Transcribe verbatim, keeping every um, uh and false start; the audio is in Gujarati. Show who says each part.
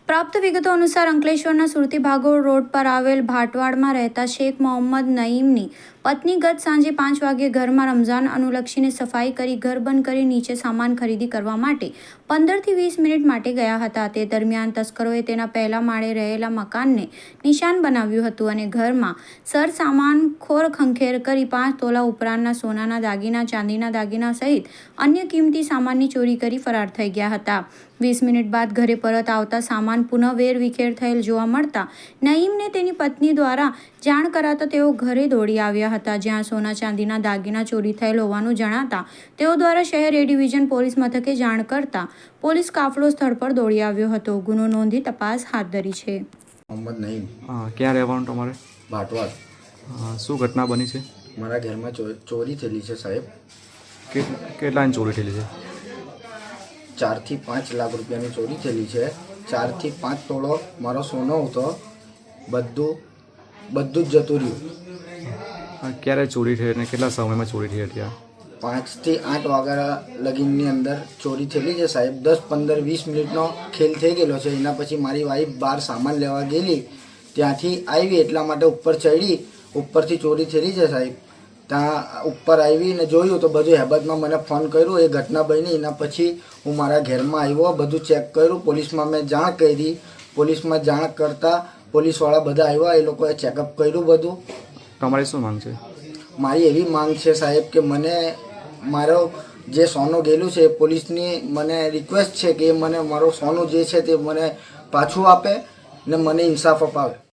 Speaker 1: પ્રાપ્ત વિગતો અનુસાર અંકલેશ્વરના સુરતી ભાગોળ રોડ પર આવેલ ભાટવાડમાં રહેતા શેખ મોહમ્મદ નઈમની પત્ની ગત સાંજે પાંચ વાગ્યે ઘરમાં રમઝાન અનુલક્ષીને સફાઈ કરી ઘર બંધ કરી નીચે સામાન ખરીદી કરવા માટે પંદરથી વીસ મિનિટ માટે ગયા હતા. તે દરમિયાન તસ્કરોએ તેના પહેલા માળે રહેલા મકાનને નિશાન બનાવ્યું હતું અને ઘરમાં સર સામાન ખોર ખંખેર કરી પાંચ તોલા ઉપરાંતના સોનાના દાગીના, ચાંદીના દાગીના સહિત અન્ય કિંમતી સામાનની ચોરી કરી ફરાર થઈ ગયા હતા. વીસ મિનિટ બાદ ઘરે પરત આવતા સામાન પુનઃ વેરવિખેર થયેલ જોવા મળતા નઈમને તેની પત્ની દ્વારા જાણ કરાતા તેઓ ઘરે દોડી આવ્યા હતા, જ્યાં સોના ચાંદીના દાગીના ચોરી થયેલ હોવાનું જણાતા તેઓ દ્વારા શહેર એ ડિવિઝન પોલીસ મથકે જાણ કરતા પોલીસ કાફલો સ્થળ પર દોડી આવ્યો હતો. ગુનો નોંધી તપાસ હાથ ધરી છે.
Speaker 2: મોહમ્મદ નઈમ.
Speaker 3: હા, ક્યાં રહેવાનું તમારે?
Speaker 2: ભાટવાડ.
Speaker 3: શું ઘટના બની છે?
Speaker 2: મારા ઘરમાં ચોરી થયેલી છે સાહેબ.
Speaker 3: કે કેટલાની ચોરી થયેલી છે?
Speaker 2: ચારથી પાંચ લાખ રૂપિયાની ચોરી થયેલી છે. ચારથી પાંચ તોળો મારો સોનો હતો, બધું બધું જ જતું રહ્યું.
Speaker 3: ક્યારે ચોરી થઈ અને કેટલા સમયમાં ચોરી થઈ હતી?
Speaker 2: પાંચથી આઠ વાગ્યા લગીનની અંદર ચોરી થયેલી છે સાહેબ. દસ પંદર વીસ મિનિટનો ખેલ થઈ ગયેલો છે. એના પછી મારી વાઈફ બહાર સામાન લેવા ગયેલી, ત્યાંથી આવી એટલા માટે ઉપર ચડી, ઉપરથી ચોરી થયેલી છે સાહેબ. ત્યાં ઉપર આવીને જોયું તો બધું હેબતમાં મને ફોન કર્યો. એ ઘટના બની. એના પછી હું મારા ઘરમાં આવ્યો, બધું ચેક કર્યું, પોલીસમાં મેં જાણ કરી. પોલીસમાં જાણ કરતાં પોલીસવાળા બધા આવ્યા, એ લોકોએ ચેકઅપ કર્યું બધું.
Speaker 3: તમારી શું માંગ છે?
Speaker 2: મારી એવી માંગ છે સાહેબ કે મને મારો જે સોનું ગયેલું છે, પોલીસની મને રિક્વેસ્ટ છે કે મને મારો સોનું જે છે તે મને પાછું આપે ને મને ઇન્સાફ અપાવે.